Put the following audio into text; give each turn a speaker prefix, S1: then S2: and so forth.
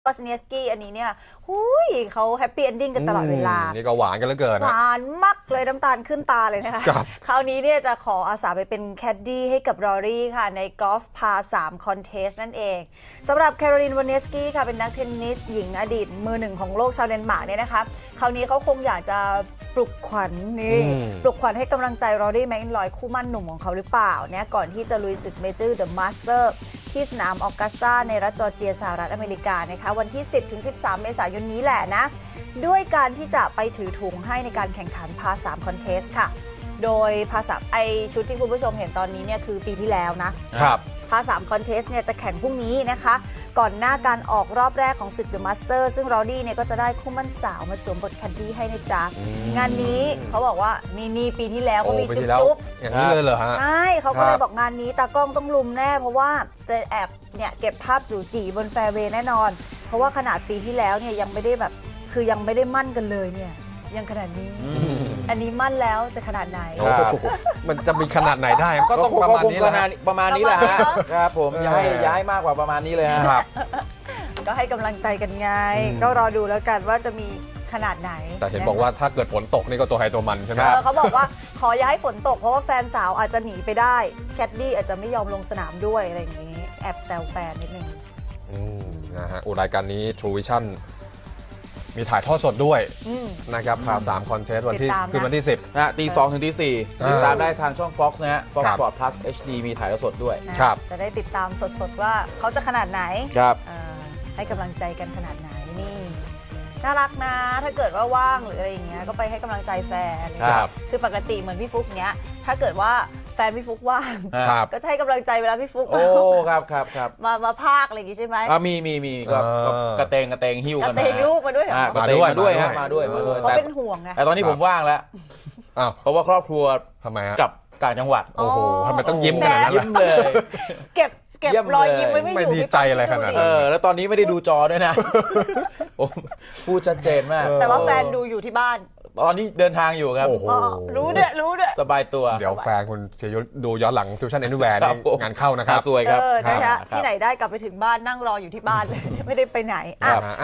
S1: วอสเนียสกี้อันนี้เนี่ยเขาแฮปปี้เอนดิ้งกันตลอดเวลา
S2: นี่ก็หวานกันเหลือเกิน
S1: หวานมากเลยน้ำตาลขึ้นตาเลยนะคะคราวนี้เนี่ยจะขออาสาไปเป็นแคดดี้ให้กับรอรี่ค่ะในกอล์ฟพา3คอนเทสนั่นเองสำหรับแคโรลินวอสเนียสกี้ค่ะเป็นนักเทนนิสหญิงอดีตมือหนึ่งของโลกชาวเดนมาร์กเนี่ยนะคะคราวนี้เขาคงอยากจะปลุกขวัญปลุกขวัญให้กำลังใจรอรี่แมคอินลอยคู่มั่นหนุ่มของเขาหรือเปล่าเนี่ยก่อนที่จะลุยศึกเมเจอร์เดอะมาสเตอร์ที่สนามออกัสตาในรัฐจอร์เจียสหรัฐอเมริกานะคะวันที่ 10-13 เมษายนนี้แหละนะด้วยการที่จะไปถือถุงให้ในการแข่งขันพา3คอนเทสค่ะโดยพา3ชุดที่คุณผู้ชมเห็นตอนนี้เนี่ยคือปีที่แล้วนะครับพา3คอนเทสเนี่ยจะแข่งพรุ่งนี้นะคะก่อนหน้าการออกรอบแรกของศึกเดอะมาสเตอร์ซึ่งรอดี้เนี่ยก็จะได้คู่มั่นสาวมาสวมบทแคดดี้ให้นะจ๊ะงานนี้เขาบอกว่านี่ปีที่แล้วก็มีจุ๊บ
S2: อย่างนี้เลยเหรอฮะ
S1: ใช่เขาก็เลยบอกงานนี้ตากล้องต้องลุมแน่เพราะว่าจะแอบเนี่ยเก็บภาพจู่จีบนแฟร์เวย์แน่นอนเพราะว่าขนาดปีที่แล้วเนี่ยยังไม่ได้แบบคือยังไม่ได้มั่นกันเลยเนี่ยยังขนาดนี้อันนี้มั่นแล้วจะขนาดไหน
S2: มันจะมีขนาดไหนได้ก็ต้องประมาณนี้แหละ
S3: ประมาณนี้แหละฮะครับผมย้ายมากกว่าประมาณนี้เลยครับ
S1: ก็ให้กำลังใจกันไงก็รอดูแล้วกันว่าจะมีขนาดไหน
S2: แต่เห็นบอกว่าถ้าเกิดฝนตกนี่ก็ตัวใครตัวมันใช่ไหม
S1: เขาบอกว่าขออย่าให้ฝนตกเพราะว่าแฟนสาวอาจจะหนีไปได้แคดดี้อาจจะไม่ยอมลงสนามด้วยอะไรอย่างนี้แอบแซวแฟนนิดนึง
S2: นะฮะรายการนี้ True Vision มีถ่ายทอดสดด้วยนะครับพา3คอนเทสต์วันที่คือวันที่ 10
S3: นะตี 2 ถึงตี 4ติดตามได้ทางช่อง Fox นะฮะ Fox Sport Plus HD มีถ่ายทอดสดด้วย
S2: ครับ
S1: จะได้ติดตามสดๆว่าเขาจะขนาดไหน
S3: ครับ
S1: ให้กำลังใจกันขนาดไหนนี่น่ารักนะถ้าเกิดว่าว่างหรืออะไรอย่างเงี้ยก็ไปให้กำลังใจแฟนคือปกติเหมือนพี่ฟุกเนี้ยถ้าเกิดว่าแฟนพี่ฟุกว่างก็จะให้กำลังใจเวลาพี่ฟุก
S3: ครับ
S1: มาพากอะไรอย่างงี้ใช่ไหม
S3: มีก็กระเตงหิ้วกัน
S1: กระเตงลูกมาด้วย
S3: มาด้วย
S1: เขาเป็นห่วงไง
S3: แต่ตอนนี้ผมว่างแล้วเพราะว่าครอบครัว
S2: ทำไม
S3: กับต่างจังหวัด
S2: โอ้โหทำไมต้องยิ้มขนาดนั้น
S3: ยิ้มเลย
S1: เก็บรอยยิ้มไว้ไม่อยู่
S2: ไม่ดีใจอะไรขนาดนั้น
S3: แล้วตอนนี้ไม่ได้ดูจอด้วยนะพูดชัดเจนมาก
S1: แต่ว่าแฟนดูอยู่ที่บ้าน
S3: ตอนนี้เดินทางอยู่ครับ
S1: รู้ด้วย
S3: สบายตัว
S2: เดี๋ยวแฟนคุณจะดูย้อนหลังทิวชั่นแอนด์แวร์งานเข้านะครับ
S3: สวยครับ
S1: ที่ไหนได้กลับไปถึงบ้านนั่งรออยู่ที่บ้านเลยไม่ได้ไปไหน